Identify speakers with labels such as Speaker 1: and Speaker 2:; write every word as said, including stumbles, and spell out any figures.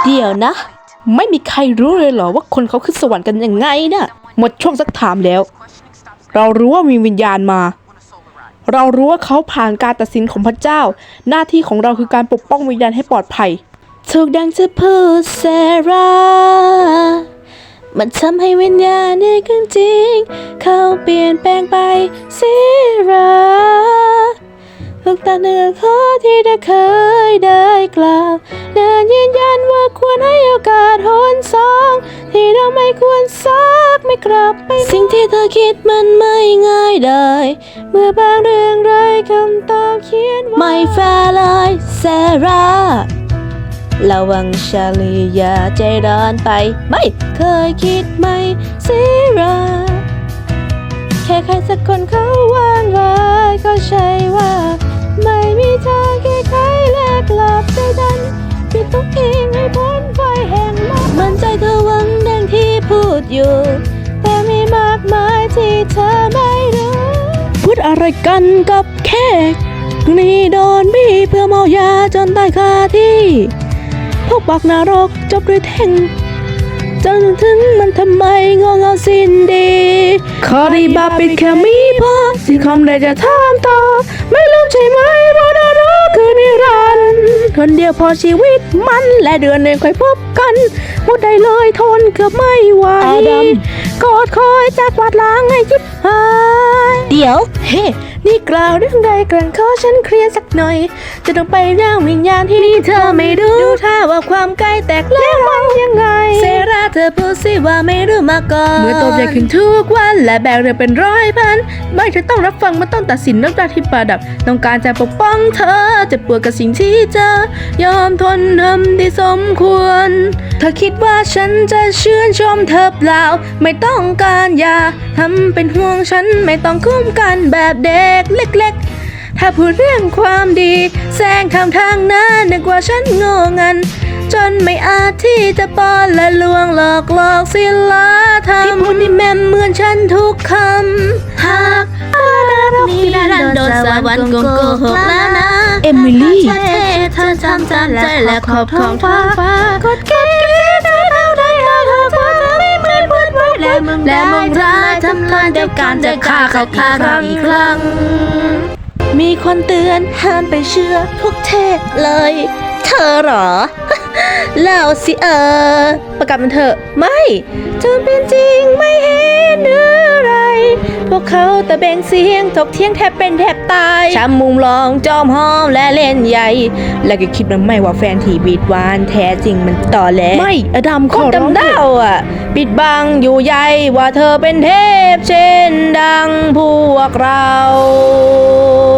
Speaker 1: เดี๋ยวนะไม่มีใครรู้เลยเหรอว่าคนเขาขึ้นสวรรค์กันยังไงนะ่ะหมดช่วงซักถามแล้วเรารู้ว่ามีวิญญาณมาเรารู้ว่าเขาผ่านการตัดสินของพระเจ้าหน้าที่ของเราคือการปกป้องวิญญาณให้ปลอดภัยถูกดังจะพูดเซรามันทำให้วิญญาณนี่ขึ้นจริงเขาเปลี่ยนแปลงไปเซราทุกตาเนื้อขอที่ได้เคยได้กล่าวเดินยืนยันว่าควรให้โอกาสหนสองที่เราไม่ควรซักไม่กลับไปสิ่งที่เธอคิดมันไม่ง่ายได้เมื่อบางเรื่องไร้คำตอบเขียนไม่แฟร์เลยเซราระวังชาลีอย่าใจร้อนไปไม่เคยคิดไม่เซราแค่ใครสักคนเขาวางไว้ก็ใช่ว่าไม่มีทางแก้ไขและกลับใจดันปิดตัวเองให้พ้นไฟแห่งโลกมันใจเธอหวังดังที่พูดอยู่แต่มีมากมายที่เธอไม่รู้พูดอะไรกันกับแขกนี่โดนบีเพื่อเมายาจนตายคาที่พวกบักนรกจบด้วยแท่งจนถึงมันทำไมงงเงาสิ้นดีขอดีบาปิดแค่มีพอสิ่งคำใดจะถามต่อไม่ลืมใช่ไหมว่านรกคือนิรันดร์คนเดียวพอชีวิตมันและเดือนหนึ่งค่อยพบกันพูดได้เลยทนเกือบไม่ไหวกอดคอยจากวาดล้างให้ยิบหายเดี๋ยวเฮ้นี่กล่าวเรื่องใดกลั่นขอฉันเคลียร์สักหน่อยจะต้องไปร่างวิญญาณที่นี่เธอไม่รู้ดูท่าว่าความใกล้แตกแล้วมันยังไงเซราเธอพูดสิว่าไม่รู้มาก่อนเมื่อโตใหญ่ขึ้นทุกวันและแบกเรือเป็นร้อยพันไม่เธอต้องรับฟังมันต้องตัดสินน้ำตาที่ประดับต้องการจะปกป้องเธอจะปวดกับสิ่งที่เจอยอมทนทำที่สมควรเธอคิดว่าฉันจะชื่นชมเธอเปล่าไม่ต้องการอย่าทำเป็นห่วงฉันไม่ต้องคุ้มกันแบบเด็กเล็กๆถ้าพูดเรื่องความดีแซงทำทางหน้านึกว่าฉันโง่งันจนไม่อาจที่จะป้อนและลวงหลอกหลอกศิลธรรมที่พูดนี่แม่เหมือนฉันทุกคำหากนี่ดันโดนสวรรค์โกโกหกแล้วนะเอมิลี่เธอทำตามใจและขอบท้องฟ้ากดเกลียดเธอเท่าใดหากเธอไม่เหมือนเพื่อนไว้และมึงและมึงร้ายทำลายเดียวกันจะฆ่าเขาฆ่าเราอีกครั้งมีคนเตือนห้ามไปเชื่อพวกเทพเลยเธอหรอ เล่าสิเออประกาศมันเถอะไม่จนเป็นจริงไม่เห็นอะไรพวกเขาตะเบงเสียงถกเถียงแทบเป็นแทบตายช้ำมุมลองจอมหอมและเล่นใหญ่และก็คิดมันไม่ว่าแฟนที่บีดวานแท้จริงมันต่อแหลไม่อดัมขอร้องเดาอ่ะปิดบังอยู่ใหญ่ว่าเธอเป็นเทพเช่นดังพวกเรา